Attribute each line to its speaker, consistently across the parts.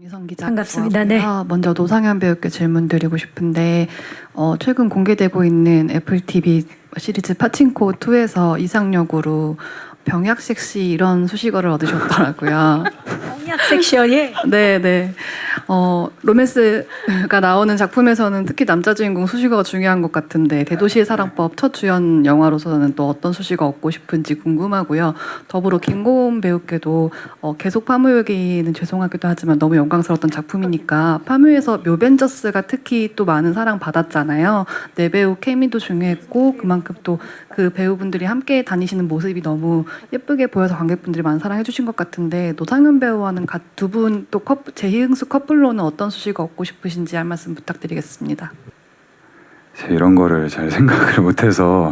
Speaker 1: 미성 기자
Speaker 2: 반갑습니다. 네.
Speaker 1: 먼저 노상현 배우께 질문 드리고 싶은데 최근 공개되고 있는 애플 TV 시리즈 파친코 2에서 이상역으로 병약 섹시 이런 수식어를 얻으셨더라고요.
Speaker 2: 병약 섹시어에
Speaker 1: 네네. 로맨스가 나오는 작품에서는 특히 남자 주인공 수식어가 중요한 것 같은데 대도시의 사랑법 첫 주연 영화로서는 또 어떤 수식어 얻고 싶은지 궁금하고요. 더불어 김고은 배우께도 계속 파묘 얘기는 죄송하기도 하지만 너무 영광스러웠던 작품이니까 파묘에서 묘벤져스가 특히 또 많은 사랑 받았잖아요. 내 배우 케미도 중요했고 그만큼 또 그 배우분들이 함께 다니시는 모습이 너무 예쁘게 보여서 관객분들이 많은 사랑해 주신 것 같은데 노상현 배우와는 두 분 또 재희응수 커플로는 어떤 수식어 얻고 싶으신지 한 말씀 부탁드리겠습니다.
Speaker 3: 제가 이런 거를 잘 생각을 못해서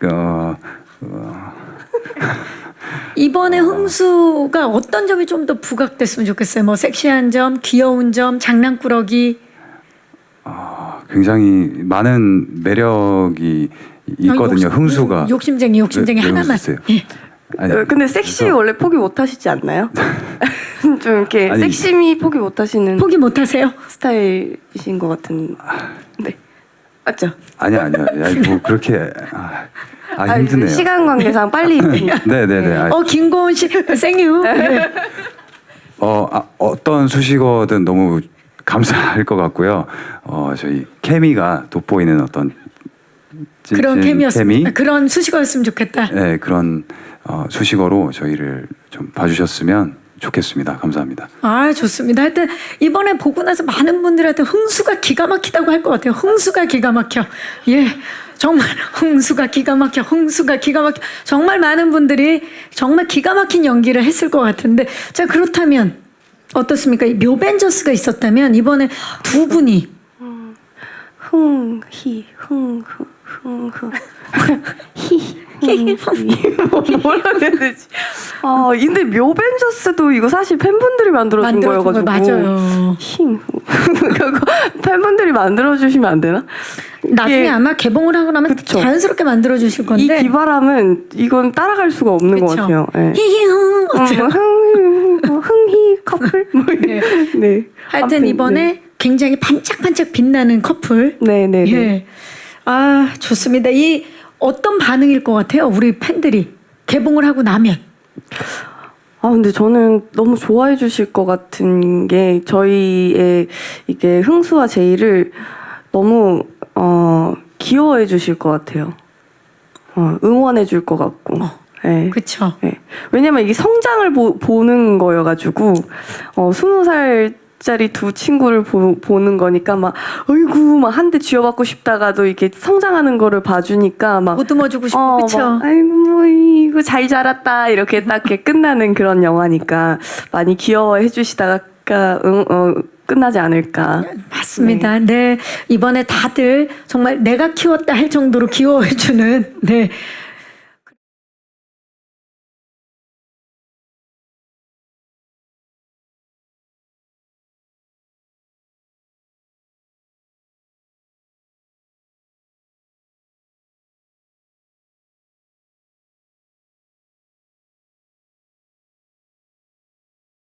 Speaker 2: 이번에 흥수가 어떤 점이 좀 더 부각됐으면 좋겠어요. 뭐 섹시한 점, 귀여운 점, 장난꾸러기.
Speaker 3: 굉장히 많은 매력이 있거든요. 흥수가
Speaker 2: 욕심쟁이
Speaker 3: 왜
Speaker 2: 하나만.
Speaker 3: 웃으세요?
Speaker 2: 예.
Speaker 3: 아니,
Speaker 4: 근데 섹시 원래 포기 못 하시지 않나요? 좀 이렇게
Speaker 3: 아니,
Speaker 4: 섹시미 포기 못 하시는
Speaker 2: 포기 못하세요?
Speaker 4: 스타일이신 것 같은. 네. 맞죠?
Speaker 3: 아니야. 뭐 그렇게 힘드네요.
Speaker 4: 시간 관계상 빨리.
Speaker 3: 네네네.
Speaker 2: 김고은 씨, 생유. 네.
Speaker 3: 어떤 수식어든 너무 감사할 것 같고요. 저희 케미가 돋보이는 어떤
Speaker 2: 그런 케미였으면
Speaker 3: 케미?
Speaker 2: 그런 수식어였으면 좋겠다.
Speaker 3: 네, 그런 수식어로 저희를 좀 봐주셨으면 좋겠습니다. 감사합니다.
Speaker 2: 좋습니다. 하여튼 이번에 보고 나서 많은 분들한테 흥수가 기가 막히다고 할 것 같아요. 흥수가 기가 막혀. 예. 정말 흥수가 기가 막혀. 정말 많은 분들이 정말 기가 막힌 연기를 했을 것 같은데 자 그렇다면 어떻습니까? 묘벤져스가 있었다면 이번에 두 분이
Speaker 4: 뭐라 해야 되지? 근데 묘벤져스도 이거 사실 팬분들이 만들어준 거여가지고.
Speaker 2: 맞아요.
Speaker 4: 그거 팬분들이 만들어주시면 안 되나?
Speaker 2: 나중에 아마 개봉을 하고 나면
Speaker 4: 그쵸.
Speaker 2: 자연스럽게 만들어 주실
Speaker 4: 이
Speaker 2: 건데
Speaker 4: 기발함은 이건 따라갈 수가 없는 것 같아요. 네.
Speaker 2: 히히흥 어때요?
Speaker 4: 흥희 커플?
Speaker 2: 네.
Speaker 4: 네.
Speaker 2: 하여튼
Speaker 4: 아무튼,
Speaker 2: 이번에
Speaker 4: 네.
Speaker 2: 굉장히 반짝반짝 빛나는 커플.
Speaker 4: 네네.
Speaker 2: 예. 좋습니다. 이 어떤 반응일 것 같아요? 우리 팬들이 개봉을 하고 나면.
Speaker 4: 근데 저는 너무 좋아해 주실 것 같은 게 저희의 이게 흥수와 제이를 너무 귀여워해 주실 것 같아요. 응원해 줄 것 같고. 네.
Speaker 2: 그렇죠.
Speaker 4: 네. 왜냐면 이게 성장을 보는 거여가지고 20살짜리 두 친구를 보는 거니까 막 어이구 막 한 대 쥐어받고 싶다가도 이렇게 성장하는 거를 봐주니까 막
Speaker 2: 보듬어 주고 싶고 그렇죠.
Speaker 4: 막, 아이고 뭐 이거 잘 자랐다 이렇게 딱 이렇게 끝나는 그런 영화니까 많이 귀여워해 주시다가 끝나지 않을까.
Speaker 2: 맞습니다. 네. 이번에 다들 정말 내가 키웠다 할 정도로 귀여워해 주는 네.